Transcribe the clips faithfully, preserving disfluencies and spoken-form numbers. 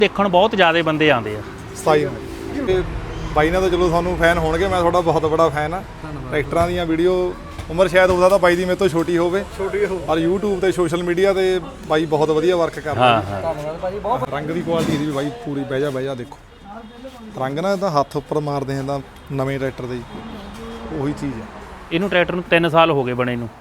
ਦੇਖਣ ਬਹੁਤ ਜ਼ਿਆਦਾ ਬੰਦੇ ਆਉਂਦੇ ਆ ਸਤਾਈ ਨੂੰ ਤੇ ਬਾਈ ਨਾਲ ਤਾਂ ਚਲੋ ਤੁਹਾਨੂੰ ਫੈਨ ਹੋਣਗੇ। ਮੈਂ ਤੁਹਾਡਾ ਬਹੁਤ ਬੜਾ ਫੈਨ ਆ। ਟਰੈਕਟਰਾਂ ਦੀਆਂ ਵੀਡੀਓ ਉਮਰ ਸ਼ਾਇਦ ਹੋ ਸਕਦਾ ਬਾਈ ਦੀ ਮੇਰੇ ਤੋਂ ਛੋਟੀ ਹੋਵੇ ਛੋਟੀ ਹੋ ਪਰ YouTube ਤੇ ਸੋਸ਼ਲ ਮੀਡੀਆ ਤੇ ਬਾਈ ਬਹੁਤ ਵਧੀਆ ਵਰਕ ਕਰਦਾ। ਹਾਂ ਹਾਂ ਧੰਨਵਾਦ ਭਾਜੀ ਬਹੁਤ। ਰੰਗ ਦੀ ਕੁਆਲਿਟੀ ਦੀ ਵੀ ਬਾਈ ਪੂਰੀ ਬਹਿ ਜਾ ਬਹਿ ਜਾ ਦੇਖੋ ਰੰਗ ਨਾ ਤਾਂ ਹੱਥ ਉੱਪਰ ਮਾਰਦੇ ਆ ਤਾਂ ਨਵੇਂ ਟਰੈਕਟਰ ਦੇ ਉਹੀ ਚੀਜ਼ ਆ। ਇਹਨੂੰ ਟਰੈਕਟਰ ਨੂੰ ਤਿੰਨ ਸਾਲ ਹੋ ਗਏ ਬਣੇ ਨੂੰ।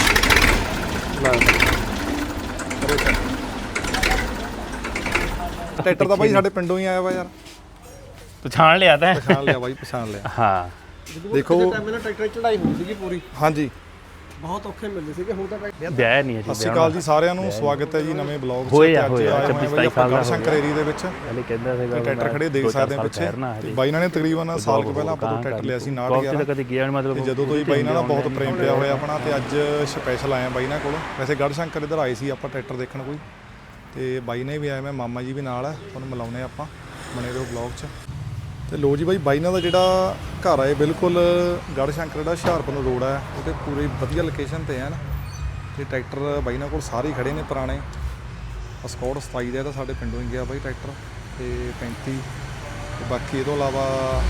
ਟਰੈਕਟਰ ਤਾਂ ਬਾਈ ਸਾਡੇ ਪਿੰਡੋਂ ਹੀ ਆਇਆ ਵਾ ਯਾਰ। ਪਛਾਣ ਲਿਆ ਤਾਂ ਪਛਾਣ ਲਿਆ ਬਾਈ ਪਛਾਣ ਲਿਆ। ਹਾਂ ਦੇਖੋ ਮੈਨੂੰ ਟਰੈਕਟਰ ਚੜਾਈ ਹੋਈ ਸੀਗੀ ਪੂਰੀ ਹਾਂਜੀ ਬਹੁਤ ਔਖੇ ਮਿਲਦੇ ਸੀਗੇ। ਹੁਣ ਤਾਂ ਵਿਆਹ ਨਹੀਂ ਹੈ ਸਤਿ ਸ਼੍ਰੀ ਅਕਾਲ ਜੀ ਸਾਰਿਆਂ ਨੂੰ ਸਵਾਗਤ ਹੈ ਜੀ ਨਵੇਂ ਬਲੌਗ 'ਚ। ਹੋਇਆ ਹੋਇਆ ਛੱਬੀ ਸਤਾਈ ਸਾਲ ਦਾ ਸ਼ੰਕਰ ਏਰੀਆ ਦੇ ਵਿੱਚ ਪਹਿਲੇ ਕਹਿੰਦਾ ਸੀਗਾ ਟਰੈਕਟਰ ਖੜੇ ਦੇਖ ਸਕਦੇ ਆ ਪਿੱਛੇ ਤੇ ਬਾਈ ਨਾਲ ਨੇ ਤਕਰੀਬਨ ਸਾਲ ਕੁ ਪਹਿਲਾਂ ਆਪਾਂ ਤੋਂ ਟਰੈਕਟਰ ਲਿਆ ਸੀ ਨਾਟ ਗਿਆ ਕਦੇ ਗਿਆ ਨਹੀਂ ਮਤਲਬ ਜਦੋਂ ਤੋਂ ਹੀ ਬਾਈ ਨਾਲ ਬਹੁਤ ਪ੍ਰੇਮ ਪਿਆ ਹੋਇਆ ਆਪਣਾ ਤੇ ਅੱਜ ਸਪੈਸ਼ਲ ਆਇਆ ਬਾਈ ਨਾਲ ਕੋਲ। ਵੈਸੇ ਗੜ ਸ਼ੰਕਰ ਇੱਧਰ ਆਏ ਸੀ ਆਪਾਂ ਟਰੈਕਟਰ ਦੇਖਣ ਕੋਈ ਤੇ ਬਾਈ ਨੇ ਵੀ ਆਇਆ ਮੈਂ ਮਾਮਾ ਜੀ ਵੀ ਨਾਲ ਹੈ ਤੁਹਾਨੂੰ ਮਿਲਾਉਂਦੇ ਆਪਾਂ ਬਣੇ ਰਹੋ ਬਲੌਗ 'ਚ। ਤੇ ਲੋ ਜੀ ਬਾਈ ਬਾਈ ਨਾਲ ਦਾ ਜਿਹੜਾ ਘਰ ਹੈ ਬਿਲਕੁਲ ਗੜ ਸ਼ੰਕਰ ਜਿਹੜਾ ਹੁਸ਼ਿਆਰਪੁਰ ਨੂੰ ਰੋਡ ਹੈ ਉਹਦੇ ਪੂਰੀ ਵਧੀਆ ਲੋਕੇਸ਼ਨ ਤੇ ਹੈ ਨਾ। ਤੇ ਟਰੈਕਟਰ ਬਾਈ ਨਾਲ ਕੋਲ ਸਾਰੇ ਹੀ ਖੜੇ ਨੇ ਪੁਰਾਣੇ ਸਕੌਟ ਸਤਾਈ ਦਾ ਤਾਂ ਸਾਡੇ ਪਿੰਡੋਂ ਹੀ ਗਿਆ ਬਾਈ ਟਰੈਕਟਰ ਤੇ ਪੈਂਤੀ ਤੇ ਬਾਕੀ ਇਹ ਤੋਂ ਇਲਾਵਾ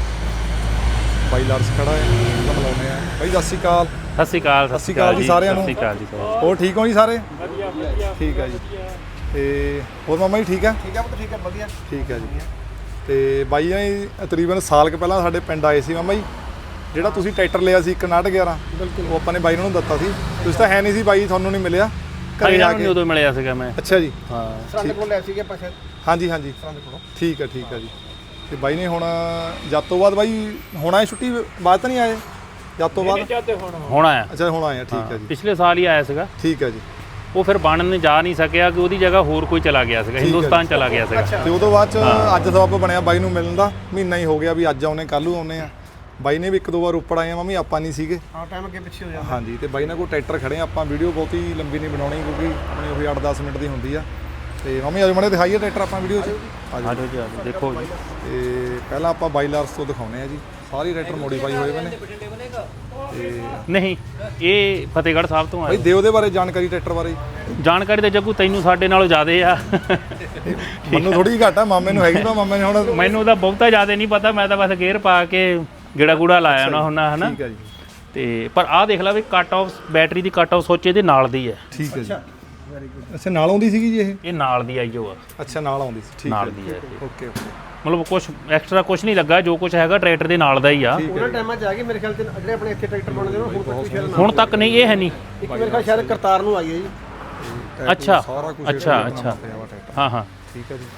ਬਾਈ ਲਾਰਸ ਖੜਾ ਹੈ ਉਹਦਾ ਮਿਲਾਉਂਦੇ ਆ। ਬਾਈ ਸਤਿ ਸ਼੍ਰੀ ਅਕਾਲ। ਸਤਿ ਸ਼੍ਰੀ ਅਕਾਲ ਸਤਿ ਸ਼੍ਰੀ ਅਕਾਲ ਜੀ ਸਾਰਿਆਂ ਨੂੰ। ਸਤਿ ਸ਼੍ਰੀ ਅਕਾਲ ਜੀ ਹੋਰ ਠੀਕ ਹੋ ਜੀ ਸਾਰੇ? ਵਧੀਆ ਵਧੀਆ ਠੀਕ ਹੈ ਜੀ। ਤੇ ਹੋਰ ਮਾਮਾ ਜੀ ਠੀਕ ਹੈ? ਠੀਕ ਹੈ ਪੁੱਤ ਠੀਕ ਹੈ ਵਧੀਆ ਠੀਕ ਹੈ ਜੀ। ਤੇ ਬਾਈ ਨੇ ਤਕਰੀਬਨ ਸਾਲ ਕੁ ਪਹਿਲਾਂ ਸਾਡੇ ਪਿੰਡ ਆਏ ਸੀ ਮਾਮਾ ਜੀ। ਜਿਹੜਾ ਤੁਸੀਂ ਟਰੈਕਟਰ ਲਿਆ ਸੀ ਇੱਕ ਨਾਟ ਗਿਆਰਾਂ ਬਿਲਕੁਲ ਉਹ ਆਪਾਂ ਨੇ ਬਾਈ ਨੂੰ ਦਿੱਤਾ ਸੀ। ਤੁਸੀਂ ਤਾਂ ਹੈ ਨਹੀਂ ਸੀ ਬਾਈ ਤੁਹਾਨੂੰ ਨਹੀਂ ਮਿਲਿਆ ਘਰੇ ਆ ਕੇ ਉਦੋਂ ਮਿਲਿਆ ਸੀਗਾ ਮੈਂ। ਅੱਛਾ ਜੀ ਹਾਂ ਸਾਡੇ ਕੋਲ ਲੈ ਸੀਗੇ ਪਾਸੇ ਹਾਂਜੀ ਹਾਂਜੀ ਸਾਡੇ ਕੋਲੋਂ ਠੀਕ ਹੈ ਠੀਕ ਹੈ ਜੀ। ਤੇ ਬਾਈ ਨੇ ਹੁਣ ਜਦ ਤੋਂ ਬਾਅਦ ਬਾਈ ਹੁਣ ਆਏ ਛੁੱਟੀ ਬਾਅਦ ਤਾਂ ਨਹੀਂ ਆਏ ਜਦ ਤੋਂ ਬਾਅਦ ਹੁਣ ਆਇਆ। ਅੱਛਾ ਹੁਣ ਆਏ ਆ ਠੀਕ ਹੈ ਜੀ। ਪਿਛਲੇ ਸਾਲ ਹੀ ਆਇਆ ਸੀਗਾ। ਠੀਕ ਹੈ ਜੀ। ਉਹ ਫਿਰ ਬਣਨ ਜਾ ਨਹੀਂ ਸਕਿਆ ਕਿ ਉਹਦੀ ਜਗ੍ਹਾ ਹੋਰ ਕੋਈ ਚਲਾ ਗਿਆ ਸੀਗਾ ਹਿੰਦੁਸਤਾਨ ਚਲਾ ਗਿਆ ਸੀਗਾ। ਤੇ ਉਦੋਂ ਬਾਅਦ ਚ ਅੱਜ ਸਬੱਬ ਬਣਿਆ ਬਾਈ ਨੂੰ ਮਿਲਣ ਦਾ ਮਹੀਨਾ ਹੀ ਹੋ ਗਿਆ ਵੀ ਅੱਜ ਆਉਣੇ ਕੱਲ੍ਹ ਨੂੰ ਆਉਣੇ ਆ। ਬਾਈ ਨੇ ਵੀ ਇੱਕ ਦੋ ਵਾਰ ਉੱਪਰ ਆਏ ਆ ਮੰਮੀ ਆਪਾਂ ਨਹੀਂ ਸੀਗੇ ਹਾਂ ਟਾਈਮ ਅੱਗੇ ਪਿੱਛੇ ਹੋ ਜਾਂਦਾ ਹਾਂਜੀ। ਤੇ ਬਾਈ ਨਾਲ ਕੋਈ ਟਰੈਕਟਰ ਖੜੇ ਆ ਆਪਾਂ ਵੀਡੀਓ ਬਹੁਤੀ ਲੰਬੀ ਨਹੀਂ ਬਣਾਉਣੀ ਕਿਉਂਕਿ ਆਪਣੀ ਉਹੀ ਅੱਠ ਦਸ ਮਿੰਟ ਦੀ ਹੁੰਦੀ ਆ। ਤੇ ਮੰਮੀ ਅੱਜ ਮੜੇ ਦਿਖਾਈਏ ਟਰੈਕਟਰ ਆਪਾਂ ਵੀਡੀਓ 'ਚ ਆਜੋ ਜੀ ਆਜੋ ਦੇਖੋ ਜੀ। ਤੇ ਪਹਿਲਾਂ ਆਪਾਂ ਬਾਈ ਲਾਰਸ ਤੋਂ ਦਿਖਾਉਂਦੇ ਆ ਜੀ ਸਾਰੇ ਟਰੈਕਟਰ ਮੋਡੀਫਾਈ ਹੋਏ ਹੋਏ ਨੇ। ਤੇ ਨਹੀਂ ਇਹ ਫਤਿਹਗੜ੍ਹ ਸਾਹਿਬ ਤੋਂ ਬਾਈ ਆਏ। ਦਿਓ ਉਹਦੇ ਬਾਰੇ ਜਾਣਕਾਰੀ ਟਰੈਕਟਰ ਬਾਰੇ। ਜਾਣਕਾਰੀ ਤਾਂ ਜੱਗੂ ਤੈਨੂੰ ਸਾਡੇ ਨਾਲੋਂ ਜ਼ਿਆਦਾ ਆ। ਮੈਨੂੰ ਥੋੜੀ ਜਿਹੀ ਘੱਟ ਆ ਮਾਮੇ ਨੂੰ ਹੈਗੀ ਤਾਂ ਮਾਮੇ ਨੇ ਹੁਣ ਮੈਨੂੰ ਤਾਂ ਬਹੁਤਾ ਜ਼ਿਆਦਾ ਨਹੀਂ ਪਤਾ। ਮੈਂ ਤਾਂ ਬਸ ਗੇਅਰ ਪਾ ਕੇ ਗੇੜਾ ਗੂੜਾ ਲਾਇਆ ਨਾ ਹੁੰਦਾ ਹਨਾ। ਠੀਕ ਹੈ ਜੀ। ਤੇ ਪਰ ਆਹ ਦੇਖ ਲੈ ਵੀ ਕੱਟ ਆਫ ਬੈਟਰੀ ਦੀ ਕੱਟ ਆਫ ਸੋਚੇ ਦੇ ਨਾਲ ਦੀ ਹੈ। ਠੀਕ ਹੈ ਜੀ। ਅੱਛਾ ਨਾਲ ਆਉਂਦੀ ਸੀਗੀ ਜੀ ਇਹ? ਇਹ ਨਾਲ ਦੀ ਆਈ ਆ। ਅੱਛਾ ਨਾਲ ਆਉਂਦੀ ਸੀ ਠੀਕ ਹੈ ਨਾਲ ਦੀ ਹੈ ਓਕੇ ਓਕੇ। ਮਤਲਬ ਕੁਝ ਐਕਸਟਰਾ ਕੁਝ ਨਹੀਂ ਲੱਗਾ ਜੋ ਕੁਝ ਹੈਗਾ ਟਰੈਕਟਰ ਦੇ ਨਾਲ ਦਾ ਹੀ ਆ। ਉਹਨਾਂ ਟਾਈਮਾਂ 'ਚ ਆ ਗਏ ਮੇਰੇ ਖਿਆਲ ਤੇ ਜਿਹੜੇ ਆਪਣੇ ਇੱਥੇ ਟਰੈਕਟਰ ਬਣਦੇ ਨੇ ਹੁਣ ਤੱਕ ਸ਼ਾਇਦ ਹੁਣ ਤੱਕ ਨਹੀਂ ਇਹ ਹੈ ਨਹੀਂ। ਇੱਕ ਮੇਰੇ ਖਿਆਲ ਸ਼ਾਇਦ ਕਰਤਾਰ ਨੂੰ ਆਈ ਹੈ ਜੀ। ਅੱਛਾ ਸਾਰਾ ਕੁਝ ਅੱਛਾ ਅੱਛਾ ਹਾਂ ਹਾਂ ਠੀਕ ਹੈ ਜੀ।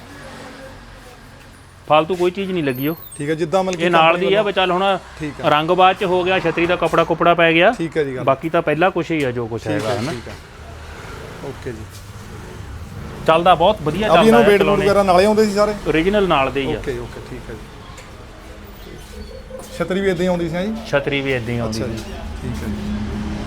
ਫਾਲਤੂ ਕੋਈ ਚੀਜ਼ ਨਹੀਂ ਲੱਗੀ ਉਹ। ਠੀਕ ਹੈ ਜਿੱਦਾਂ ਮਤਲਬ ਇਹ ਨਾਲ ਦੀ ਆ ਵੀ ਚੱਲ ਹੁਣ ਠੀਕ ਰੰਗ ਬਾਅਦ ਚ ਹੋ ਗਿਆ ਛਤਰੀ ਦਾ ਕਪੜਾ ਕੁਪੜਾ ਪੈ ਗਿਆ। ਠੀਕ ਹੈ ਜੀ ਗੱਲ ਬਾਕੀ ਤਾਂ ਪਹਿਲਾਂ ਕੁਝ ਹੀ ਆ ਜੋ ਕੁਝ ਹੈਗਾ ਹਨਾ। ਠੀਕ ਹੈ ਓਕੇ ਜੀ। ਚੱਲਦਾ ਬਹੁਤ ਵਧੀਆ ਅਭੀ ਚੱਲਦਾ ਇਹਨੂੰ ਵੇਟ ਬੂਟ ਵਗੈਰਾ ਨਾਲੇ ਆਉਂਦੇ ਸੀ ਸਾਰੇ ਓਰੀਜਨਲ ਨਾਲ ਦੇ ਹੀ ਆ। ਓਕੇ ਓਕੇ ਠੀਕ ਹੈ ਜੀ। ਛਤਰੀ ਵੀ ਇਦਾਂ ਹੀ ਆਉਂਦੀ ਸੀ ਜੀ? ਛਤਰੀ ਵੀ ਇਦਾਂ ਹੀ ਆਉਂਦੀ ਅੱਛਾ ਜੀ ਸੀ। ਠੀਕ ਹੈ ਜੀ।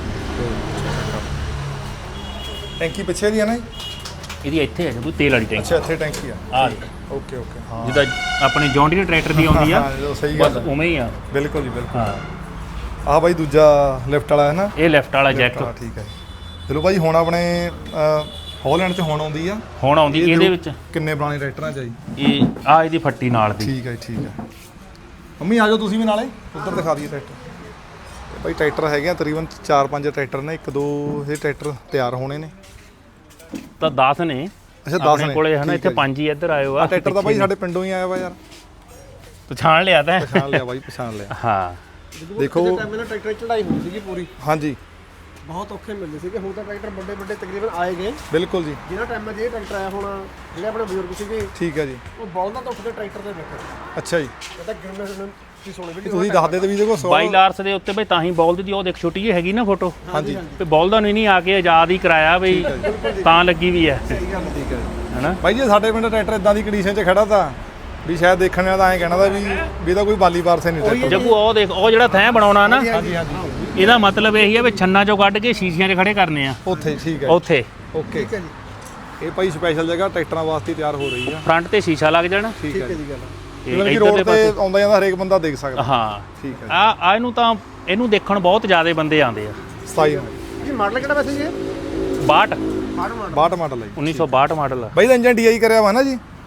ਟੈਂਕੀ ਪਿੱਛੇ ਦੀ ਹੈ ਨਾ ਜੀ? ਇਹਦੀ ਇੱਥੇ ਹੈ ਜਦੋਂ ਤੇਲ ਵਾਲੀ ਟੈਂਕੀ। ਅੱਛਾ ਇੱਥੇ ਟੈਂਕੀ ਆ ਆ ਓਕੇ ਓਕੇ ਹਾਂ ਜਿੱਦਾਂ ਆਪਣੇ ਜੌਂਡੀਅਰ ਟਰੈਕਟਰ ਦੀ ਆਉਂਦੀ ਆ ਹਾਂ ਸਹੀ ਬਸ ਗੱਲ ਉਵੇਂ ਹੀ ਆ। ਬਿਲਕੁਲ ਜੀ ਬਿਲਕੁਲ। ਹਾਂ ਆਹ ਬਾਈ ਦੂਜਾ ਲਿਫਟ ਵਾਲਾ ਹੈ ਨਾ? ਇਹ ਲੈਫਟ ਵਾਲਾ ਜੈਕ ਹਾਂ ਠੀਕ ਹੈ। ਚਲੋ ਬਾਈ ਹੁਣ ਆਪਣੇ ਹਾਲੈਂਡ 'ਚ ਹੁਣ ਆਉਂਦੀ ਆ ਹੁਣ ਆਉਂਦੀ ਇਹਦੇ ਵਿੱਚ। ਕਿੰਨੇ ਪੁਰਾਣੇ ਟਰੈਕਟਰਾਂ 'ਚ ਆ ਜੀ? ਇਹ ਆ ਇਹਦੀ ਫੱਟੀ ਨਾਲ ਦੀ। ਠੀਕ ਹੈ ਜੀ ਠੀਕ ਹੈ। ਮੰਮੀ ਆ ਜਾਓ ਤੁਸੀਂ ਵੀ ਨਾਲੇ ਉੱਧਰ ਦਿਖਾ ਦਈਏ ਟਰੈਕਟਰ। ਤੇ ਬਾਈ ਟਰੈਕਟਰ ਹੈਗੇ ਆ ਤਕਰੀਬਨ ਚਾਰ ਪੰਜ ਟਰੈਕਟਰ ਨੇ। ਇੱਕ ਦੋ ਇਹ ਟਰੈਕਟਰ ਤਿਆਰ ਹੋਣੇ ਨੇ ਤਾਂ ਦਸ ਨੇ। ਅੱਛਾ ਦਸ ਆਪਣੇ ਨੇ ਕੋਲੇ ਹਨਾ ਇੱਥੇ ਪੰਜ ਹੀ ਇੱਧਰ ਆਇਓ ਆ। ਟਰੈਕਟਰ ਤਾਂ ਬਾਈ ਸਾਡੇ ਪਿੰਡੋਂ ਹੀ ਆਇਆ ਵਾ ਯਾਰ। ਪਛਾਣ ਲਿਆ ਤਾਂ ਪਛਾਣ ਲਿਆ ਬਾਈ ਪਛਾਣ ਲਿਆ। ਹਾਂ ਦੇਖੋ ਟਾਈਮ ਮੈਨੂੰ ਟਰੈਕਟਰ ਚੜਾਈ ਹੋਈ ਸੀਗੀ ਪੂਰੀ ਹਾਂਜੀ ਬਹੁਤ ਔਖੇ ਮਿਲਦੇ ਸੀਗੇ। ਹੁਣ ਤਾਂ ਟਰੈਕਟਰ ਵੱਡੇ ਵੱਡੇ ਤਕਰੀਬਨ ਆਏ ਗਏ। ਬਿਲਕੁਲ ਜੀ। ਜਿਹੜਾ ਟਾਈਮ 'ਚ ਇਹ ਟਰੈਕਟਰ ਆਇਆ ਹੁਣ ਜਿਹੜੇ ਆਪਣੇ ਬਜ਼ੁਰਗ ਸੀਗੇ ਠੀਕ ਹੈ ਜੀ। ਉਹ ਬਲਦਾਂ ਤੋਂ ਉੱਠਦੇ ਟਰੈਕਟਰ ਦੇ ਬੈਠੇ। ਅੱਛਾ ਜੀ। ਇਹ ਤਾਂ ਗਿਣਨੇ ਤੁਸੀਂ ਸੁਣੇ ਵੀਡੀਓ ਤੁਸੀਂ ਦੱਸਦੇ ਤੇ ਵੀ ਦੇਖੋ ਸੌ ਬਾਈ ਲਾਰਸ ਦੇ ਉੱਤੇ ਬਈ ਤਾਂ ਹੀ ਬੋਲਦ ਦੀ ਉਹ ਦੇਖ ਛੋਟੀ ਜਿਹੀ ਹੈਗੀ ਨਾ ਫੋਟੋ। ਹਾਂਜੀ ਤੇ ਬੋਲਦਾਂ ਨੂੰ ਹੀ ਨਹੀਂ ਆ ਕੇ ਆਜ਼ਾਦ ਹੀ ਕਰਾਇਆ ਬਈ ਤਾਂ ਲੱਗੀ ਵੀ ਹੈ ਸਹੀ ਗੱਲ ਠੀਕ ਹੈ ਹੈਨਾ। ਬਾਈ ਜੀ ਸਾਡੇ ਪਿੰਡ ਟਰੈਕਟਰ ਇਦਾਂ ਦੀ ਕੰਡੀਸ਼ਨ 'ਚ ਖੜਾ ਤਾਂ ਵੀ ਸ਼ਾਇਦ ਦੇਖਣ ਵਾਲਾ ਤਾਂ ਐਂ ਕਹਿਣਾ ਦਾ ਵੀ ਵੀ ਇਹਦਾ ਕੋਈ ਬਾਲੀ ਵਾਰਸੇ ਨਹੀਂ ਟਰੈਕਟਰ। ਜੱਗੂ ਉਹ ਦੇਖ ਉਹ ਜਿਹੜਾ ਥੈਂ ਬਣਾਉਣਾ ਨਾ ਹਾਂਜੀ ਹਾਂਜੀ ਇਹਦਾ ਮਤਲਬ ਇਹੀ ਹੈ ਵੀ ਛੰਨਾ ਚੋਂ ਕੱਢ ਕੇ ਸ਼ੀਸ਼ਿਆਂ 'ਚ ਖੜੇ ਕਰਨੇ ਆ ਉੱਥੇ ਠੀਕ ਹੈ ਉੱਥੇ। ਓਕੇ ਠੀਕ ਹੈ ਜੀ। ਇਹ ਭਾਈ ਸਪੈਸ਼ਲ ਜਗ੍ਹਾ ਟਰੈਕਟਰਾਂ ਵਾਸਤੇ ਤਿਆਰ ਹੋ ਰਹੀ ਆ। ਫਰੰਟ ਤੇ ਸ਼ੀਸ਼ਾ ਲੱਗ ਜਾਣਾ। ਠੀਕ ਠੀਕ ਹੈ ਹੈ ਜੀ। ਜੀ ਗੱਲ ਤੇ ਮਤਲਬ ਕਿ ਇੱਧਰ ਰੋਡ ਦੇ ਤੇ ਪਾਸੇ ਆਉਂਦਾ ਜਾਂਦਾ ਹਰੇਕ ਬੰਦਾ ਦੇਖ ਸਕਦਾ। ਹਾਂ ਠੀਕ ਹੈ ਆ ਆ ਇਹਨੂੰ ਤਾਂ ਇਹਨੂੰ ਦੇਖਣ ਬਹੁਤ ਜ਼ਿਆਦਾ ਬੰਦੇ ਆਉਂਦੇ ਆ। ਸਤਾਈ ਨੂੰ ਜੀ ਮਾਡਲ ਕਿਹੜਾ ਵੈਸੇ ਜੀ ਇਹ? ਬਾਹਠ ਮਾਡਲ ਮਾਡਲ ਬਾਹਠ ਮਾਡਲ ਹੈ ਜੀ। ਉੱਨੀ ਸੌ ਬਾਹਠ ਮਾਡਲ ਆ। ਬਾਈ ਦਾ ਇੰਜਨ ਡੀਆਈ ਕਰਿਆ ਵਾ ਨਾ ਜੀ?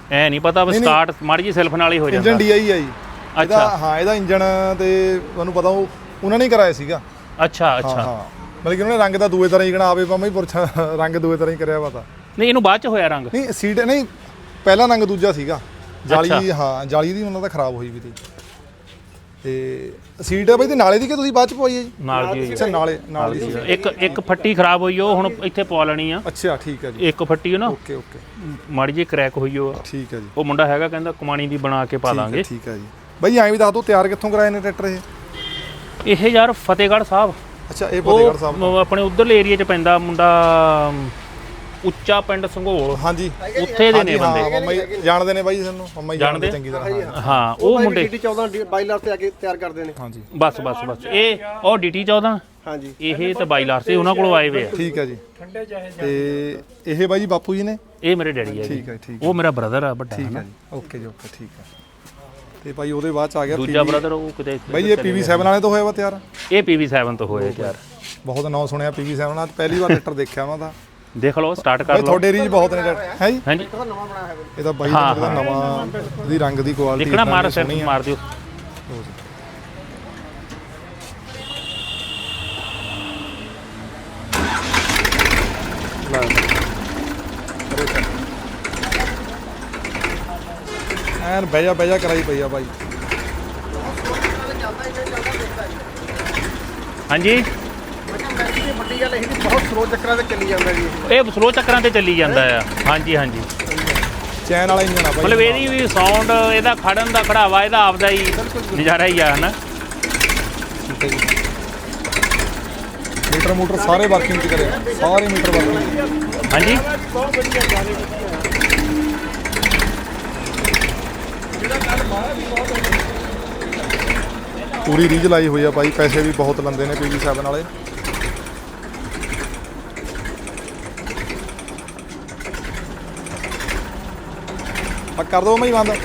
ਐ ਨਹੀਂ ਪਤਾ ਵੀ ਸਟਾਰਟ ਮਾੜੀ ਜੀ ਸੈਲਫ ਨਾਲ ਹੀ ਹੋ ਜਾਂਦਾ। ਇੰਜਨ ਡੀਆਈ ਆ ਜੀ ਇਹਦਾ। ਹਾਂ ਇਹਦਾ ਇੰਜਨ ਤੇ ਤੁਹਾਨੂੰ ਪਤਾ ਉਹ ਉਹਨਾਂ ਨੇ ਹੀ ਕਰਾਇਆ ਸੀਗਾ। ਅੱਛਾ ਅੱਛਾ ਹਾਂ ਮਤਲਬ ਕਿ ਉਹਨੇ ਰੰਗ ਦਾ ਦੂਏ ਤਰ੍ਹਾਂ ਹੀ ਕਣਾ ਆਵੇ ਪਾਵੇਂ ਪੁਰਛਾ ਰੰਗ ਦੂਏ ਤਰ੍ਹਾਂ ਹੀ ਕਰਿਆ ਵਾ ਤਾਂ ਨਹੀਂ ਇਹਨੂੰ ਬਾਅਦ ਚ ਹੋਇਆ ਰੰਗ। ਨਹੀਂ ਸੀਟ ਨਹੀਂ ਪਹਿਲਾ ਰੰਗ ਦੂਜਾ ਸੀਗਾ ਜਾਲੀ। ਹਾਂ ਜਾਲੀ ਦੀ ਉਹਨਾਂ ਦਾ ਖਰਾਬ ਹੋਈ ਵੀ ਤੀ ਤੇ ਸੀਟ ਆ ਬਈ ਤੇ ਨਾਲੇ ਦੀ ਕਿ ਤੁਸੀਂ ਬਾਅਦ ਚ ਪਵਾਈ ਹੈ ਜੀ? ਨਾਲ ਦੀ ਅੱਛਾ ਨਾਲੇ ਨਾਲ ਦੀ ਸੀ। ਇੱਕ ਇੱਕ ਫੱਟੀ ਖਰਾਬ ਹੋਈ ਉਹ ਹੁਣ ਇੱਥੇ ਪਵਾ ਲੈਣੀ ਆ। ਅੱਛਾ ਠੀਕ ਹੈ ਜੀ। ਇੱਕ ਫੱਟੀ ਨਾ ਓਕੇ ਓਕੇ ਮਾੜੀ ਜਿਹੀ ਕਰੈਕ ਹੋਈ ਉਹ। ਠੀਕ ਹੈ ਜੀ। ਉਹ ਮੁੰਡਾ ਹੈਗਾ ਕਹਿੰਦਾ ਕਮਾਣੀ ਦੀ ਬਣਾ ਕੇ ਪਾ ਦਾਂਗੇ। ਠੀਕ ਹੈ ਜੀ। ਬਈ ਐਂ ਵੀ ਦੱਸ ਦਿਓ ਤਿਆਰ ਕਿੱਥੋਂ ਕਰਾਏ ਨੇ ਟਰੈਕਟਰ ਇਹ? ਇਹ ਯਾਰ ਫਤਿਹਗੜ੍ਹ ਸਾਹਿਬ। ਅੱਛਾ ਇਹ ਫਤਿਹਗੜ੍ਹ ਸਾਹਿਬ ਉਹ ਆਪਣੇ ਉਧਰਲੇ ਏਰੀਆ 'ਚ ਪੈਂਦਾ ਮੁੰਡਾ ਉੱਚਾ ਪਿੰਡ ਸੰਘੋਲ। ਹਾਂਜੀ ਉੱਥੇ ਦੇ ਨੇ ਬੰਦੇ। ਹਾਂ ਮੰਮਾ ਜੀ ਜਾਣਦੇ ਨੇ ਬਾਈ ਸਾਨੂੰ। ਮੰਮਾ ਜੀ ਜਾਣਦੇ ਚੰਗੀ ਤਰ੍ਹਾਂ। ਹਾਂ ਉਹ ਮੁੰਡੇ ਡੀਟੀ ਚੌਦਾਂ ਬਾਈ ਲਾਰ ਤੇ ਆ ਕੇ ਤਿਆਰ ਕਰਦੇ ਨੇ। ਹਾਂਜੀ ਬਸ ਬਸ ਬਸ ਇਹ ਉਹ ਡੀਟੀ ਚੌਦਾਂ ਹਾਂਜੀ ਇਹ ਤੇ ਬਾਈ ਲਾਰ ਸੀ ਉਹਨਾਂ ਕੋਲੋਂ ਆਏ ਵੇ ਆ। ਠੀਕ ਹੈ ਜੀ। ਤੇ ਇਹ ਬਾਈ ਜੀ ਬਾਪੂ ਜੀ ਨੇ? ਇਹ ਮੇਰੇ ਡੈਡੀ ਆ। ਠੀਕ ਹੈ ਠੀਕ ਉਹ ਮੇਰਾ ਬ੍ਰਦਰ ਆ ਵੱਡਾ। ਠੀਕ ਹੈ ਜੀ। ਓਕੇ ਜੀ ਓਕੇ ਠੀਕ ਹੈ। ਤੇ ਭਾਈ ਉਹਦੇ ਬਾਅਦ ਚ ਆ ਗਿਆ ਦੂਜਾ ਬ੍ਰਦਰ ਉਹ ਕਿਤੇ ਬਾਈ ਇਹ ਪੀਵੀ ਸੈਵਨ ਵਾਲੇ ਤੋਂ ਹੋਇਆ ਵਾ ਤਿਆਰ? ਇਹ ਪੀਵੀ ਸੈਵਨ ਤੋਂ ਹੋਇਆ ਯਾਰ। ਬਹੁਤ ਨਾਂ ਸੁਣਿਆ ਪੀਵੀ ਸੈਵਨ ਨਾਲ। ਪਹਿਲੀ ਵਾਰ ਟਰੈਕਟਰ ਦੇਖਿਆ ਉਹਨਾਂ ਦਾ। ਦੇਖ ਲਓ ਸਟਾਰਟ ਕਰ ਬਾਈ ਲਓ। ਤੁਹਾਡੇ ਏਰੀਆ 'ਚ ਬਹੁਤ ਨੇ ਟਰੈਕਟਰ ਹੈ ਜੀ? ਹਾਂਜੀ ਨਵਾਂ ਬਣਾਇਆ ਹੈ ਇਹ ਤਾਂ ਬਾਈ ਦਾ ਨਵਾਂ ਦੀ ਰੰਗ ਦੀ ਕੁਆਲਿਟੀ ਦੇਖਣਾ ਮਾਰ ਸੈਟ ਮਾਰ ਦਿਓ। ਐਨ ਬਹਿ ਜਾ ਬਹਿ ਜਾ ਕਰਾਈ ਪਈ ਆ ਬਾਈ। ਹਾਂਜੀ ਵੱਡੀ ਗੱਲ ਇਹ ਬਹੁਤ ਸਲੋ ਚੱਕਰਾਂ ਤੇ ਚੱਲੀ ਜਾਂਦਾ ਜੀ ਇਹ ਸਲੋ ਚੱਕਰਾਂ ਤੇ ਚੱਲੀ ਜਾਂਦਾ ਆ। ਹਾਂਜੀ ਹਾਂਜੀ ਚੈਨ ਵਾਲਾ ਇੰਜਨ ਆ ਬਾਈ। ਮਤਲਬ ਇਹਦੀ ਵੀ ਸਾਊਂਡ ਇਹਦਾ ਖੜਨ ਦਾ ਖੜਾਵਾ ਇਹਦਾ ਆਪਦਾ ਹੀ ਨਜ਼ਾਰਾ ਹੀ ਆ ਹਨਾ। ਮੀਟਰ ਮੋਟਰ ਸਾਰੇ ਵਰਕਿੰਗ ਚ ਕਰੇ ਸਾਰੇ ਮੀਟਰ ਵਰਕਿੰਗ। ਹਾਂਜੀ ਪੂਰੀ ਰੀਝ ਲਾਈ ਹੋਈ ਆ ਬਾਈ। ਪੈਸੇ ਵੀ ਬਹੁਤ ਲੰਦੇ ਨੇ ਪੀਵੀ ਸੈਵਨ ਵਾਲੇ। ਆ ਕਰ ਦੋ ਮੈਂ ਬੰਦ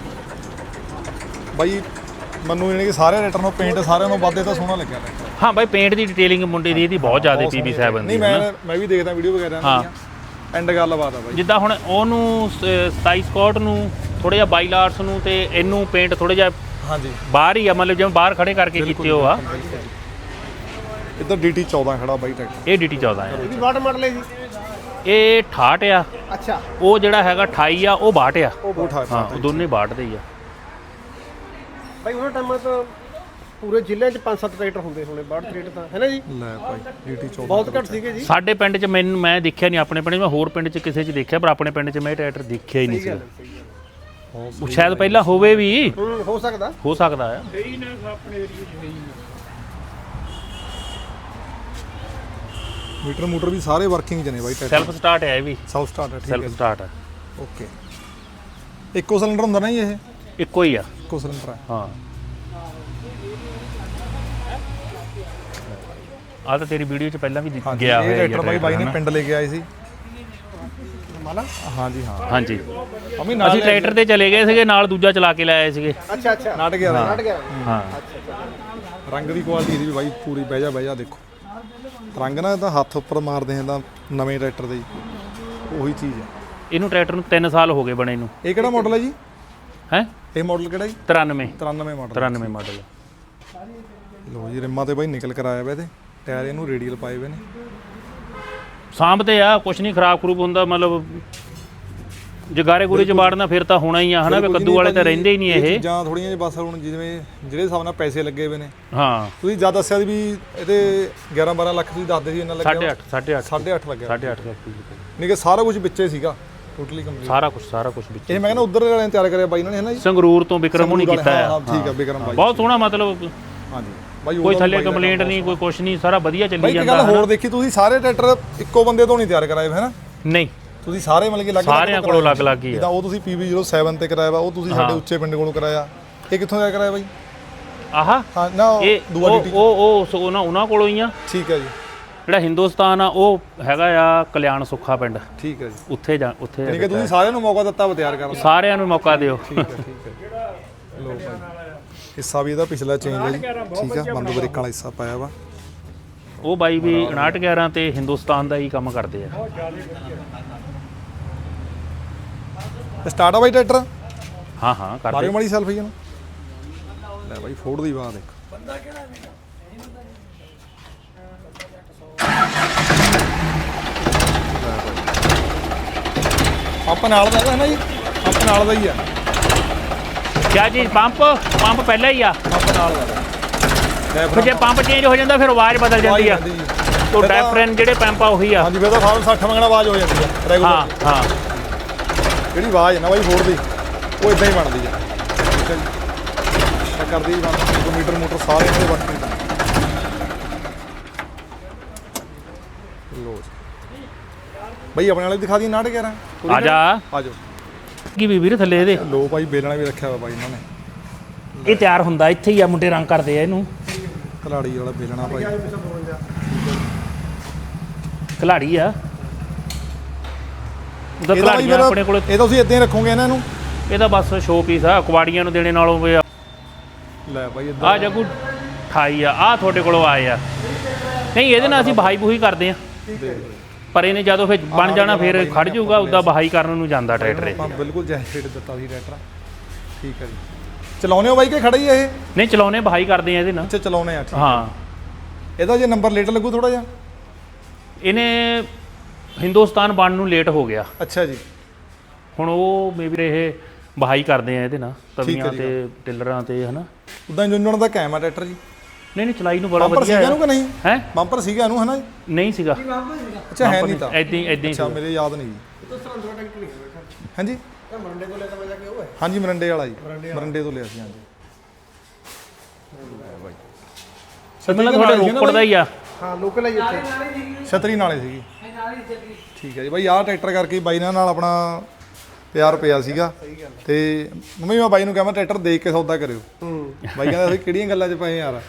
ਬਾਈ। ਮੈਨੂੰ ਯਾਨੀ ਕਿ ਸਾਰੇ ਰੇਟਰ ਨੂੰ ਪੇਂਟ ਸਾਰਿਆਂ ਨੂੰ ਵੱਧੇ ਤਾਂ ਸੋਹਣਾ ਲੱਗਿਆ ਟਰੈਕਟਰ। ਹਾਂ ਬਾਈ ਪੇਂਟ ਦੀ ਡਿਟੇਲਿੰਗ ਮੁੰਡੇ ਦੀ ਇਹਦੀ ਬਹੁਤ ਜ਼ਿਆਦਾ ਪੀਵੀ ਸੈਵਨ ਦੀ। ਨਹੀਂ ਮੈਂ ਮੈਂ ਵੀ ਦੇਖਦਾ ਵੀਡੀਓ ਵਗੈਰਾ ਹਾਂ ਐਂਡ ਗੱਲਬਾਤ ਆ ਬਾਈ। ਜਿੱਦਾਂ ਹੁਣ ਉਹਨੂੰ ਸਤਾਈ ਸਕਾਟ ਨੂੰ ਥੋੜਾ ਜਿਹਾ ਬਾਈ ਲਾਰਸ ਨੂੰ ਤੇ ਇਹਨੂੰ ਪੇਂਟ ਥੋੜਾ ਜਿਹਾ ਹਾਂਜੀ ਬਾਹਰ ਹੀ ਆ ਮਤਲਬ ਜਿਵੇਂ ਬਾਹਰ ਖੜੇ ਕਰਕੇ ਕੀਤੇ ਹੋ ਆ। ਇੱਧਰ ਡੀਟੀ ਚੌਦਾਂ ਖੜਾ ਬਾਈ ਟਰੈਕਟਰ। ਇਹ ਡੀਟੀ ਚੌਦਾਂ ਆ। ਇਹਦੀ ਵਾਟ ਮਾਡਲ ਹੈ ਜੀ? ਇਹ ਅਠਾਹਠ ਆ। ਅੱਛਾ ਉਹ ਜਿਹੜਾ ਹੈਗਾ ਅਠਾਈ ਆ ਉਹ ਬਾਹਠ ਆ। ਉਹ ਠਾ ਹਾਂ ਉਹ ਦੋਨੇ ਬਾਹਠ ਦੇ ਹੀ ਆ। ਭਾਈ ਉਹਨਾਂ ਟਾਈਮਾਂ ਤਾਂ ਪੂਰੇ ਜ਼ਿਲ੍ਹੇ 'ਚ ਪੰਜ ਸੱਤ ਟਰੈਕਟਰ ਹੁੰਦੇ ਹੋਣੇ ਬਾਹਠ ਟਰੈਕਟਰ ਤਾਂ ਹੈ ਨਾ ਜੀ? ਲੈ ਭਾਈ ਡੀਟੀ ਚੌਦਾਂ ਬਹੁਤ ਘੱਟ ਸੀਗੇ ਜੀ। ਸਾਡੇ ਪਿੰਡ 'ਚ ਮੈਨੂੰ ਮੈਂ ਦੇਖਿਆ ਨਹੀਂ। ਆਪਣੇ ਪਿੰਡ 'ਚ ਮੈਂ ਹੋਰ ਪਿੰਡ 'ਚ ਕਿਸੇ 'ਚ ਦੇਖਿਆ ਪਰ ਆਪਣੇ ਪਿੰਡ 'ਚ ਮੈਂ ਇਹ ਟਰੈਕਟਰ ਦੇਖਿਆ ਹੀ ਨਹੀਂ ਸੀ। ਉਹ ਸ਼ਾਇਦ ਪਹਿਲਾਂ ਹੋਵੇ ਵੀ ਹੂੰ ਹੋ ਸਕਦਾ ਹੋ ਸਕਦਾ ਆ। ਮੀਟਰ ਮੋਟਰ ਵੀ ਸਾਰੇ ਵਰਕਿੰਗ ਚ ਨੇ ਬਾਈ ਟਰੈਕਟਰ। ਸੈਲਫ ਸਟਾਰਟ ਹੈ ਇਹ ਵੀ। ਸੈਲਫ ਸਟਾਰਟ ਹੈ ਠੀਕ ਸੈਲਫ ਹੈ ਸਟਾਰਟ ਹੈ। ਓਕੇ ਇੱਕੋ ਸਿਲੰਡਰ ਹੁੰਦਾ ਨਾ ਜੀ ਇਹ? ਇੱਕੋ ਹੀ ਆ। ਇੱਕੋ ਸਿਲੰਡਰ ਹੈ। ਹਾਂ ਆ ਤਾਂ ਤੇਰੀ ਵੀਡੀਓ 'ਚ ਪਹਿਲਾਂ ਵੀ ਦਿਖ ਗਿਆ ਇਹ ਹੋਇਆ ਟਰੈਕਟਰ ਬਾਈ ਬਾਈ ਨੇ ਪਿੰਡ ਲੈ ਕੇ ਆਏ ਸੀ। ਮਾਲਾ ਹਾਂਜੀ ਹਾਂ ਹਾਂਜੀ ਅਮੀ ਨਾਲ ਅਸੀਂ ਟਰੈਕਟਰ ਤੇ ਚਲੇ ਗਏ ਸੀਗੇ ਨਾਲ ਦੂਜਾ ਚਲਾ ਕੇ ਲਾਏ ਸੀਗੇ। ਅੱਛਾ ਅੱਛਾ ਨਾਟ ਗਿਆ ਨਾਟ ਗਿਆ ਹਾਂ ਰੰਗ ਦੀ ਕੁਆਲਿਟੀ ਇਹਦੀ ਵੀ ਬਾਈ ਪੂਰੀ ਬਹਿ ਜਾ ਬਹਿ ਜਾ ਦੇਖੋ। ਰੰਗ ਨਾ ਤਾਂ ਹੱਥ ਉੱਪਰ ਮਾਰਦੇ ਹਾਂ ਤਾਂ ਨਵੇਂ ਟਰੈਕਟਰ ਦੇ ਉਹੀ ਚੀਜ਼ ਹੈ। ਇਹਨੂੰ ਟਰੈਕਟਰ ਨੂੰ ਤਿੰਨ ਸਾਲ ਹੋ ਗਏ ਬਣੇ ਨੂੰ। ਇਹ ਕਿਹੜਾ ਮਾਡਲ ਹੈ ਜੀ? ਹੈ ਇਹ ਮਾਡਲ ਕਿਹੜਾ ਜੀ? ਤਰਾਨਵੇਂ ਤਰਾਨਵੇਂ ਮਾਡਲ। ਤਰਾਨਵੇਂ ਮਾਡਲ। ਲੋ ਜੀ ਰਿਮਾਂ ਤੇ ਬਾਈ ਨਿਕਲ ਕਰ ਆਇਆ ਵਾ ਤੇ ਟਾਇਰ ਇਹਨੂੰ ਰੇਡੀਅਲ ਪਾਏ ਹੋਏ ਨੇ। ਸਾਂਭਦੇ ਆ ਕੁਛ ਨਹੀਂ ਖਰਾਬ ਖਰੂਬ ਹੁੰਦਾ ਮਤਲਬ ਜਗਾਰੇ ਗੁਰੇ ਚ ਬਾੜਨਾ ਫਿਰ ਤਾਂ ਹੋਣਾ ਹੀ ਆ ਹਨਾ ਵੀ ਕੱਦੂ ਵਾਲੇ ਤਾਂ ਰਹਿੰਦੇ ਹੀ ਨਹੀਂ ਇਹ ਚੀਜ਼ਾਂ ਥੋੜੀਆਂ ਜਿਹਾ ਬਸ ਹੁਣ ਜਿਵੇਂ ਜਿਹੜੇ ਹਿਸਾਬ ਨਾਲ ਪੈਸੇ ਲੱਗੇ ਹੋਏ ਨੇ। ਹਾਂ ਤੁਸੀਂ ਜਦ ਦੱਸਿਆ ਵੀ ਇਹਦੇ ਗਿਆਰਾਂ ਬਾਰਾਂ ਲੱਖ ਤੁਸੀਂ ਦੱਸਦੇ ਸੀ ਇਹਨਾਂ ਲੱਗਿਆ ਸਾਢੇ ਅੱਠ ਸਾਢੇ ਅੱਠ ਸਾਢੇ ਅੱਠ ਲੱਗਿਆ ਸਾਢੇ ਅੱਠ ਲੱਖ ਨਹੀਂ ਕਿ ਸਾਰਾ ਕੁਝ ਵਿੱਚੇ ਸੀਗਾ ਟੋਟਲੀ ਕੰਪਲੀਟ ਸਾਰਾ ਕੁਝ ਸਾਰਾ ਕੁਝ ਵਿੱਚ ਇਹ ਮੈਂ ਕਹਿੰਦਾ ਉਧਰ ਵਾਲਿਆਂ ਨੇ ਤਿਆਰ ਕਰਿਆ ਬਾਈ ਇਹਨਾਂ ਨੇ ਹੈ ਨਾ ਜੀ ਸੰਗਰੂਰ ਤੋਂ ਵਿਕਰਮ ਹੋਣੀ ਕੀਤਾ ਹਾਂ ਆ ਠੀਕ ਆ ਵਿਕਰਮ ਬਾਈ ਬਹੁਤ ਸੋਹਣਾ ਮਤਲਬ ਹਾਂਜੀ ਬਾਈ ਕੋਈ ਥੱਲੇ ਕੰਪਲੇਂਟ ਨਹੀਂ ਕੋਈ ਕੁਛ ਨਹੀਂ ਸਾਰਾ ਵਧੀਆ ਚੱਲੀ ਬਾਈ ਇੱਕ ਜਾਂਦਾ ਗੱਲ ਹੋਰ ਦੇਖੀ ਤੁਸੀਂ ਸਾਰੇ ਟਰੈਕਟਰ ਇੱਕੋ ਬੰਦੇ ਤੋਂ ਨਹੀਂ ਤਿਆਰ ਕਰਾਏ ਹੈ ਨਾ? ਨਹੀਂ ਤੁਸੀਂ ਸਾਰੇ ਮਿਲ ਕੇ ਲੱਗ ਸਾਰਿਆਂ ਕੋਲੋਂ ਅਲੱਗ ਅਲੱਗ ਹੀ ਆ ਜਿੱਦਾਂ ਉਹ ਤੁਸੀਂ ਪੀ ਵੀ ਜ਼ੀਰੋ ਸੈਵਨ ਤੇ ਕਰਾਇਆ ਵਾ ਉਹ ਤੁਸੀਂ ਸਾਡੇ ਉੱਚੇ ਪਿੰਡ ਕੋਲੋਂ ਕਰਾਇਆ। ਇਹ ਕਿੱਥੋਂ ਤਿਆਰ ਕਰਾਇਆ ਬਾਈ? ਆਹਾ ਹਾਂ ਨਾ ਇਹ ਦੂਆ ਉਹ ਡੀਟੀ ਉਹ ਉਹ ਉਹਨਾਂ ਉਹਨਾਂ ਕੋਲੋਂ ਹੀ ਆ। ਠੀਕ ਹੈ ਜੀ ਜਿਹੜਾ ਹਿੰਦੁਸਤਾਨ ਆ ਉਹ ਹੈਗਾ ਆ ਕਲਿਆਣ ਸੁੱਖਾ ਪਿੰਡ ਠੀਕ ਹੈ ਜੀ। ਉੱਥੇ ਜਾ ਉੱਥੇ ਯਾਨੀ ਕਿ ਤੁਸੀਂ ਸਾਰਿਆਂ ਨੂੰ ਮੌਕਾ ਦਿੱਤਾ ਵਾ ਤਿਆਰ ਕਰਨ ਦਾ। ਸਾਰਿਆਂ ਨੂੰ ਮੌਕਾ ਦਿਓ ਠੀਕ ਹੈ ਠੀਕ ਹੈ ਲੋ ਭਾਈ ਹਿੱਸਾ ਵੀ ਇਹਦਾ ਪਿਛਲਾ ਚੇਂਜ ਹੈ ਜੀ ਠੀਕ ਹੈ ਬੰਦ ਬ੍ਰੇਕਾਂ ਵਾਲਾ ਹਿੱਸਾ ਪਾਇਆ ਵਾ। ਉਹ ਬਾਈ ਵੀ ਉਣਾਹਠ ਗਿਆਰਾਂ ਤੇ ਹਿੰਦੁਸਤਾਨ ਦਾ ਹੀ ਕੰਮ ਕਰਦੇ ਆ। ਸਟਾਰਟ ਆ ਬਾਈ ਟਰੈਕਟਰ ਹਾਂ ਹਾਂ ਕਰ ਮਾਰਿਓ ਦੇ ਮਾੜੀ ਸੈਲਫੀ ਨਾ ਲੈ ਬਾਈ ਫੋੜ ਦੀ ਬਾਤ ਦੇਖ ਪੰਪ ਨਾਲ ਦਾ ਹੈ ਨਾ ਜੀ ਪੰਪ ਨਾਲ ਦਾ ਹੀ ਆ ਕਿਆ ਚੀਜ਼ ਪੰਪ ਪੰਪ ਪਹਿਲਾਂ ਹੀ ਆ ਪੰਪ ਨਾਲ ਦਾ ਲੈ ਫਿਰ ਜੇ ਪੰਪ ਚੇਂਜ ਹੋ ਜਾਂਦਾ ਫਿਰ ਆਵਾਜ਼ ਬਦਲ ਜਾਂਦੀ ਆ ਉਹ ਡੈਫਰਨ ਜਿਹੜੇ ਪੰਪ ਆ ਉਹੀ ਆ ਹਾਂਜੀ ਫਿਰ ਤਾਂ ਫਾਰਮ ਸੱਠ ਮੰਗਣਾ ਆਵਾਜ਼ ਹੋ ਜਾਂਦੀ ਆ ਹਾਂ ਰੈਗੂਲਰ ਹਾਂ ਜਿਹੜੀ ਆਵਾਜ਼ ਹੈ ਨਾ ਬਾਈ ਫੋੜ ਦੀ ਉਹ ਇਦਾਂ ਹੀ ਬਣਦੀ ਆ ਠੀਕ ਹੈ ਜੀ ਤਾਂ ਕਰਦੀ ਬੰਦ ਮੀਟਰ ਮੋਟਰ ਸਾਰੇ ਇਹਨਾਂ ਦੇ ਵਰਤਦੇ ਲੋ ਬਾਈ ਆਪਣੇ ਵਾਲੇ ਦਿਖਾ ਦੀ ਨਾਟ ਗਿਆਰਾਂ ਆ ਜਾ ਆ ਜਾਓ ਕੀ ਵੀ ਵੀਰ ਥੱਲੇ ਇਹਦੇ ਲੋ ਬਾਈ ਬੇਲਣਾ ਵੀ ਰੱਖਿਆ ਵਾ ਬਾਈ ਇਹਨਾਂ ਨੇ ਇਹ ਤਿਆਰ ਹੁੰਦਾ ਇੱਥੇ ਹੀ ਆ ਮੁੰਡੇ ਰੰਗ ਕਰਦੇ ਆ ਇਹਨੂੰ ਕਲਾੜੀ ਵਾਲਾ ਬੇਲਣਾ ਭਾਈ ਖਿਲਾੜੀ ਆ ਉਹਦਾ ਇਹਦਾ ਬਾਈ ਖਿਲਾੜੀਆਂ ਆਪਣੇ ਕੋਲ ਇਹ ਤਾਂ ਤੁਸੀਂ ਇਦਾਂ ਹੀ ਰੱਖੋਗੇ ਇਹਨਾਂ ਨੂੰ ਇਹਦਾ ਬਸ ਸ਼ੋਅ ਪੀਸ ਆ ਕੁਆੜੀਆਂ ਨੂੰ ਦੇਣੇ ਨਾਲੋਂ ਵੀ ਲੈ ਬਾਈ ਆ ਇਦਾਂ ਜਗੂ ਅਠਾਈ ਆ ਆ ਤੁਹਾਡੇ ਕੋਲੋਂ ਆਏ ਆ ਨਹੀਂ ਇਹਦੇ ਨਾਲ ਅਸੀਂ ਬਹਾਈ ਬੂਹੀ ਕਰਦੇ ਆ ਪਰ ਇਹਨੇ ਜਦੋਂ ਫਿਰ ਬਣ ਜਾਣਾ ਫਿਰ ਖੜ ਜਾਊਗਾ ਉੱਦਾਂ ਬਹਾਈ ਕਰਨ ਨੂੰ ਜਾਂਦਾ ਟਰੈਕਟਰ ਇਹ ਆਪਾਂ ਬਿਲਕੁਲ ਜੈ ਰੇਟ ਦਿੱਤਾ ਸੀ ਟਰੈਕਟਰ ਠੀਕ ਹੈ ਜੀ ਚਲਾਉਨੇ ਹੋ ਬਾਈ ਕਿ ਖੜਾ ਹੀ ਇਹ ਨਹੀਂ ਚਲਾਉਣੇ ਬਹਾਈ ਕਰਦੇ ਆ ਇਹਦੇ ਨਾਲ ਅੱਛਾ ਚਲਾਉਨੇ ਆ ਠੀਕ ਹਾਂ ਇਹਦਾ ਜੇ ਨੰਬਰ ਲੇਟ ਲੱਗੂ ਥੋੜਾ ਜਿਹਾ ਇਹਨੇ ਹਿੰਦੁਸਤਾਨ ਬਣਨ ਨੂੰ ਲੇਟ ਹੋ ਗਿਆ ਅੱਛਾ ਜੀ ਹੁਣ ਉਹ ਮੇਬੀ ਇਹ ਬਹਾਈ ਕਰਦੇ ਆ ਇਹਦੇ ਨਾਲ ਤਵੀਆਂ ਜੀ। ਤੇ ਟਿਲਰਾਂ ਤੇ ਹਨਾ ਉਦਾਂ ਇੰਜਨ ਦਾ ਕਾਇਮ ਆ ਟਰੈਕਟਰ ਜੀ ਨਹੀਂ ਨਹੀਂ ਚਲਾਈ ਨੂੰ ਬੜਾ ਬੰਪਰ ਵਧੀਆ ਸੀਗਾ ਇਹਨੂੰ ਕਿ ਨਹੀਂ ਹੈ ਬੰਪਰ ਸੀਗਾ ਇਹਨੂੰ ਹਨਾ ਜੀ ਨਹੀਂ ਸੀਗਾ ਅੱਛਾ ਹੈ ਨਹੀਂ ਤਾਂ ਐਦਾਂ ਹੀ ਐਦਾਂ ਹੀ ਅੱਛਾ ਸੀਗਾ। ਮੇਰੇ ਯਾਦ ਨਹੀਂ ਜੀ ਹਾਂਜੀ ਮਰੰਡੇ ਕੋਲ ਲੈ ਤਾਂ ਵਜਾ ਕੇ ਉਹ ਹੈ ਹਾਂਜੀ ਮਰੰਡੇ ਵਾਲਾ ਜੀ ਮਰੰਡੇ ਤੋਂ ਲਿਆ ਸੀ ਹਾਂਜੀ ਮਤਲਬ ਤੁਹਾਡੇ ਰੋਪੜ ਦਾ ਹੀ ਆ ਹਾਂ ਲੋਕਲ ਹੈ ਜੀ ਇੱਥੇ ਛਤਰੀ ਨਾਲੇ ਸੀਗੀ ਠੀਕ ਹੈ ਜੀ ਬਾਈ ਆਹ ਟਰੈਕਟਰ ਕਰਕੇ ਬਾਈ ਨਾਲ ਨਾਲ ਆਪਣਾ ਪਿਆਰ ਪਿਆ ਸੀਗਾ ਤੇ ਮੰਮੀ ਮੈਂ ਬਾਈ ਨੂੰ ਕਿਹਾ ਮੈਂ ਟਰੈਕਟਰ ਦੇਖ ਕੇ ਸੌਦਾ ਕਰਿਓ ਹੂੰ ਬਾਈ ਕਹਿੰਦਾ ਅਸੀਂ ਕਿਹੜੀਆਂ ਗੱਲਾਂ 'ਚ ਪਏ ਯਾਰ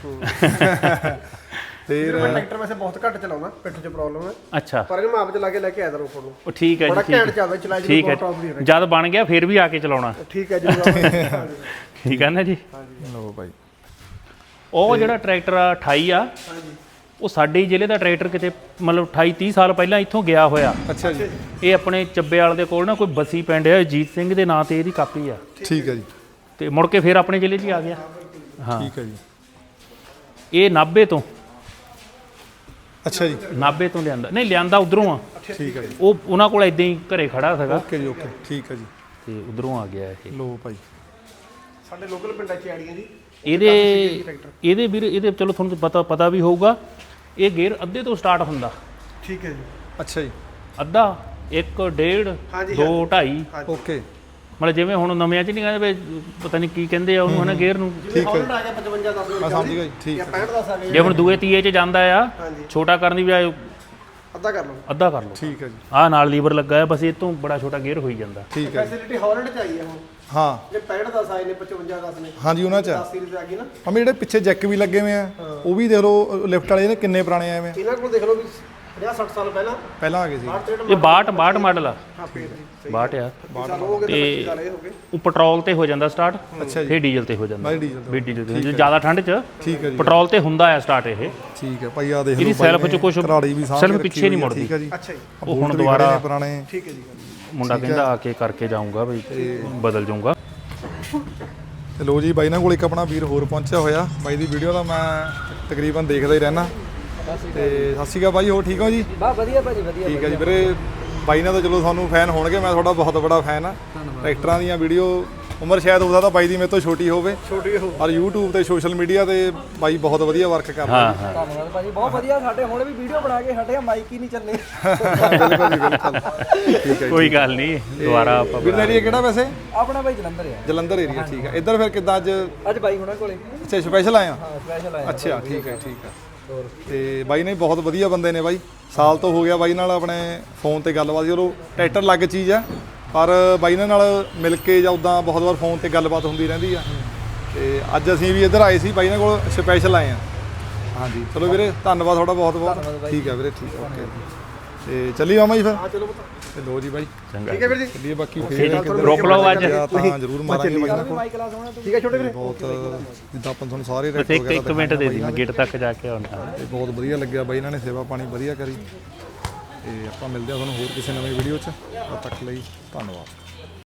ਫਿਰ ਮੈਂ ਟਰੈਕਟਰ ਵੈਸੇ ਬਹੁਤ ਘੱਟ ਚਲਾਉਣਾ ਪਿੱਠ 'ਚ ਪ੍ਰੋਬਲਮ ਹੈ ਅੱਛਾ ਪਰ ਇਹਨੂੰ ਮਾਪ ਚ ਲਾ ਕੇ ਲੈ ਕੇ ਆਇਆ ਦਰ ਉੱਪਰ ਨੂੰ ਉਹ ਠੀਕ ਹੈ ਜੀ ਬੜਾ ਠੀਕ ਘੈਂਟ ਹੈ ਚੱਲਦਾ ਚਲਾਈ ਜੀ ਠੀਕ ਹੈ ਬਹੁਤ ਟੌਪ ਦੀ ਜਦ ਬਣ ਗਿਆ ਫਿਰ ਵੀ ਆ ਕੇ ਚਲਾਉਣਾ ਠੀਕ ਹੈ ਜੀ ਠੀਕ ਹੈ ਨਾ ਜੀ ਲਓ ਬਾਈ ਉਹ ਜਿਹੜਾ ਟਰੈਕਟਰ ਆ ਅਠਾਈ ਆ ਉਹ ਸਾਡੇ ਹੀ ਜ਼ਿਲ੍ਹੇ ਦਾ ਟਰੈਕਟਰ ਕਿਤੇ ਮਤਲਬ ਅਠਾਈ ਤੀਹ ਸਾਲ ਪਹਿਲਾਂ ਇੱਥੋਂ ਗਿਆ ਹੋਇਆ ਅੱਛਾ ਜੀ ਇਹ ਆਪਣੇ ਚੱਬੇਵਾਲ ਦੇ ਕੋਲ ਨਾ ਕੋਈ ਬਸੀ ਪਿੰਡ ਹੈ ਅਜੀਤ ਸਿੰਘ ਦੇ ਨਾਂ ਤੇ ਇਹਦੀ ਕਾਪੀ ਆ ਠੀਕ ਹੈ ਜੀ ਤੇ ਮੁੜ ਕੇ ਫਿਰ ਆਪਣੇ ਜ਼ਿਲ੍ਹੇ 'ਚ ਹੀ ਆ ਗਿਆ ਹਾਂ ਠੀਕ ਹੈ ਜੀ ਇਹ ਨਾਭੇ ਤੋਂ ਅੱਛਾ ਜੀ ਨਾਭੇ ਤੋਂ ਲਿਆਂਦਾ ਨਹੀਂ ਲਿਆਂਦਾ ਉਧਰੋਂ ਆ ਠੀਕ ਹੈ ਜੀ ਉਹ ਉਹਨਾਂ ਕੋਲ ਇਦਾਂ ਹੀ ਘਰੇ ਖੜਾ ਸੀਗਾ ਓਕੇ ਜੀ ਓਕੇ ਠੀਕ ਹੈ ਜੀ ਤੇ ਉਧਰੋਂ ਆ ਗਿਆ ਇਹ ਲੋ ਭਾਈ ਸਾਡੇ ਲੋਕਲ ਪਿੰਡਾਂ 'ਚ ਆੜੀਆਂ ਜੀ ਇਹਦੇ ਇਹਦੇ ਵੀਰ ਇਹਦੇ ਚਲੋ ਤੁਹਾਨੂੰ ਪਤਾ ਪਤਾ ਵੀ ਹੋਊਗਾ ਇਹ ਗੇਅਰ ਅੱਧੇ ਤੋਂ ਸਟਾਰਟ ਹੁੰਦਾ ਠੀਕ ਹੈ ਜੀ ਅੱਛਾ ਜੀ ਅੱਧਾ ਇੱਕ ਡੇਢ ਹਾਂਜੀ, ਦੋ ਢਾਈ ਓਕੇ ਮਤਲਬ ਜਿਵੇਂ ਹੁਣ ਨਵਿਆਂ 'ਚ ਨਹੀਂ ਕਹਿੰਦੇ ਵੀ ਪਤਾ ਨਹੀਂ ਕੀ ਕਹਿੰਦੇ ਆ ਉਹਨੂੰ ਹਨਾ ਗੇਅਰ ਨੂੰ ਠੀਕ ਹੈ ਆ ਗਿਆ ਪਚਵੰਜਾ ਦਸ ਮੈਂ ਸਮਝ ਗਿਆ ਜੀ ਠੀਕ ਜਾਂ ਹੈ ਪੈਂਹਠ ਦਸ ਆ ਗਏ ਜੇ ਹੁਣ ਦੂਏ ਤੀਏ 'ਚ ਜਾਂਦਾ ਆ ਹਾਂਜੀ ਛੋਟਾ ਕਰਨ ਦੀ ਬਜਾਏ ਅੱਧਾ ਕਰ ਲਓ ਅੱਧਾ ਕਰ ਲਓ ਠੀਕ ਹੈ ਜੀ ਆਹ ਨਾਲ ਲੀਵਰ ਲੱਗਾ ਹੈ ਬਸ ਇਹ ਤੋਂ ਬੜਾ ਛੋਟਾ ਗੇਅਰ ਹੋਈ ਜਾਂਦਾ ਠੀਕ ਹੈ ਜੀ ਫੈਸਿਲਿਟੀ ਹਾਲੈਂਡ 'ਚ ਆਈ ਹੈ ਹੁਣ ਹਾਂ ਜੇ ਪੈਂਹਠ ਦਸ ਆਏ ਨੇ ਪਚਵੰਜਾ ਦਸ ਨੇ ਹਾਂਜੀ ਉਹਨਾਂ 'ਚ ਆ। ਦਸ ਸੀਰੀਜ਼ ਆ ਗਈ ਨਾ ਮੰਮੀ ਜਿਹੜੇ ਪਿੱਛੇ ਜੈਕ ਵੀ ਲੱਗੇ ਹੋਏ ਆ ਉਹ ਵੀ ਦੇਖ ਲਓ ਲਿਫਟ ਵਾਲੇ ਨੇ ਕਿੰਨੇ ਪੁਰਾਣੇ ਆਏ ਵੇ ਇਹਨਾਂ ਕੋਲ ਦੇਖ ਲਓ ਵੀ ਪੰਜਾਹ ਸੱਠ ਸਾਲ ਪਹਿਲਾਂ ਪਹਿਲਾਂ ਆ ਗਏ ਸੀ ਬਾਹਠ ਇਹ ਬਾਹਠ ਬਾਹਠ ਮਾਡਲ ਆ ਹਾਂ ਫੇਰ ਜੀ ਬਾਹਠ ਆ ਸਾਲ ਹੋ ਗਏ ਤੇ ਪੱਚੀ ਸਾਲ ਇਹ ਹੋ ਗਏ ਉਹ ਪੈਟਰੋਲ ਤੇ ਹੋ ਜਾਂਦਾ ਸਟਾਰਟ ਅੱਛਾ ਜੀ ਫਿਰ ਡੀਜ਼ਲ ਤੇ ਹੋ ਜਾਂਦਾ ਬਾਈ ਡੀਜ਼ਲ ਵੀ ਡੀਜ਼ਲ ਤੇ ਜਿਆਦਾ ਠੰਡ 'ਚ ਠੀਕ ਹੈ ਜੀ ਪੈਟਰੋਲ ਤੇ ਹੁੰਦਾ ਆ ਸਟਾਰਟ ਇਹ ਠੀਕ ਹੈ ਭਾਈ ਆ ਦੇਖ ਲਓ ਇਹਦੀ ਸੈਲਫ 'ਚ ਕੁਛ ਕਰਾੜੀ ਵੀ ਸਾਂਭ ਸੈਲਫ ਕੇ ਪਿੱਛੇ ਰੱਖੀ ਨਹੀਂ ਹੋਈ ਆ, ਮੁੜਦੀ ਠੀਕ ਹੈ ਜੀ ਅੱਛਾ ਜੀ ਉਹ ਹੁਣ ਬੂਟ ਵੀ ਦੁਬਾਰਾ ਖੜੇ ਨੇ ਪੁਰਾਣੇ ਠੀਕ ਹੈ ਜੀ ਮੁੰਡਾ ਕਹਿੰਦਾ ਆ ਕੇ ਕਰਕੇ ਜਾਊਂਗਾ ਬਈ ਬਦਲ ਜਾਊਂਗਾ ਤੇ ਲੋ ਜੀ ਬਾਈ ਨਾਲ ਕੋਲ ਇੱਕ ਆਪਣਾ ਵੀਰ ਹੋਰ ਪਹੁੰਚਿਆ ਹੋਇਆ ਬਾਈ ਦੀ ਵੀਡੀਓ ਤਾਂ ਮੈਂ ਤਕਰੀਬਨ ਦੇਖਦਾ ਹੀ ਰਹਿਣਾ ਤੇ ਸਤਿ ਸ਼੍ਰੀ ਅਕਾਲ ਬਾਈ ਹੋਰ ਠੀਕ ਹੋ ਜੀ ਬਾ ਵਧੀਆ ਭਾਜੀ ਵਧੀਆ ਠੀਕ ਹੈ ਜੀ ਵੀਰੇ ਬਾਈ ਨਾਲ ਤਾਂ ਚਲੋ ਤੁਹਾਨੂੰ ਫੈਨ ਹੋਣਗੇ ਮੈਂ ਤੁਹਾਡਾ ਬਹੁਤ ਬੜਾ ਫੈਨ ਆ ਟਰੈਕਟਰਾਂ ਦੀਆਂ ਵੀਡੀਓ ਉਮਰ ਸ਼ਾਇਦ ਹੋ ਸਕਦਾ ਬਾਈ ਦੀ ਮੇਰੇ ਤੋਂ ਛੋਟੀ ਹੋਵੇ ਛੋਟੀ ਹੋ ਪਰ YouTube ਤੇ ਸੋਸ਼ਲ ਮੀਡੀਆ ਤੇ ਬਾਈ ਬਹੁਤ ਵਧੀਆ ਵਰਕ ਕਰਦਾ ਹਾਂ ਹਾਂ ਧੰਨਵਾਦ ਭਾਜੀ ਬਹੁਤ ਵਧੀਆ ਸਾਡੇ ਹੁਣ ਵੀ ਵੀਡੀਓ ਬਣਾ ਕੇ ਹਟਿਆ ਮਾਈਕ ਹੀ ਨਹੀਂ ਚੱਲੇ ਬਿਲਕੁਲ ਜੀ ਬਿਲਕੁਲ ਠੀਕ ਹੈ ਕੋਈ ਗੱਲ ਨਹੀਂ ਦੁਬਾਰਾ ਆਪਾਂ ਵੀਰ ਏਰੀਆ ਕਿਹੜਾ ਵੈਸੇ ਆਪਣਾ ਭਾਈ ਜਲੰਧਰ ਆ ਜਲੰਧਰ ਏਰੀਆ ਠੀਕ ਹੈ ਇੱਧਰ ਫਿਰ ਕਿੱਦਾਂ ਅੱਜ ਅੱਜ ਬਾਈ ਹੁਣਾਂ ਕੋਲੇ ਅੱਛਾ ਸਪੈਸ਼ਲ ਆਇਆ ਹਾਂ ਸਪੈਸ਼ਲ ਆਇਆ ਅੱਛਾ ਠੀਕ ਹੈ ਠੀਕ ਹੈ ਤੇ ਬਾਈ ਨੇ ਬਹੁਤ ਵਧੀਆ ਬੰਦੇ ਨੇ ਬਾਈ ਸਾਲ ਤੋਂ ਹੋ ਗਿਆ ਬਾਈ ਨਾਲ ਆਪਣੇ ਫੋਨ ਤੇ ਗੱਲਬਾਤ ਚਲੋ ਟਰੈਕਟਰ ਲੱਗ ਚੀਜ਼ ਆ ਪਰ ਬਾਈ ਨਾਲ ਮਿਲ ਕੇ ਜਾਂ ਉਦਾਂ ਬਹੁਤ ਵਾਰ ਫੋਨ ਤੇ ਗੱਲਬਾਤ ਹੁੰਦੀ ਰਹਿੰਦੀ ਆ ਤੇ ਅੱਜ ਅਸੀਂ ਵੀ ਇੱਧਰ ਆਏ ਸੀ ਬਾਈ ਨਾਲ ਕੋਲ ਸਪੈਸ਼ਲ ਆਏ ਆ ਹਾਂਜੀ ਚਲੋ ਵੀਰੇ ਧੰਨਵਾਦ ਤੁਹਾਡਾ ਬਹੁਤ ਬਹੁਤ ਠੀਕ ਹੈ ਵੀਰੇ ਠੀਕ ਹੈ ਓਕੇ ਤੇ ਚੱਲੀ ਮਾਮਾ ਜੀ ਫਿਰ ਹਾਂ ਚਲੋ ਪੁੱਤ ਤੇ ਲੋ ਜੀ ਬਾਈ ਚੰਗਾ ਠੀਕ ਹੈ ਵੀਰ ਜੀ ਚੱਲੀਏ ਬਾਕੀ ਫੇਰ ਰੋਕ ਲਓ ਅੱਜ ਤਾਂ ਜ਼ਰੂਰ ਮਾਰਾਂਗੇ ਬਾਈ ਨਾਲ ਕੋਲ ਮਾਈਕ ਲਾ ਸੋਣਾ ਠੀਕ ਹੈ ਛੋਟੇ ਵੀਰੇ ਬਹੁਤ ਜਿੱਦਾਂ ਆਪਾਂ ਤੁਹਾਨੂੰ ਸਾਰੇ ਬਸ ਰੈਕਟ ਇੱਕ ਇੱਕ ਮਿੰਟ ਦੇ ਦੀ ਮੈਂ ਗੇਟ ਤੱਕ ਜਾ ਕੇ ਆਉਣਾ ਤੇ ਬਹੁਤ ਵਧੀਆ ਲੱਗਿਆ ਬਾਈ ਇਹਨਾਂ ਨੇ ਸੇਵਾ ਪਾਣੀ ਵਧੀਆ ਕਰੀ ਤੇ ਆਪਾਂ ਮਿਲਦੇ ਆ ਤੁਹਾਨੂੰ ਹੋਰ ਕਿਸੇ ਨਵੀਂ ਵੀਡੀਓ 'ਚ ਤਦ ਤੱਕ ਲਈ ਧੰਨਵਾਦ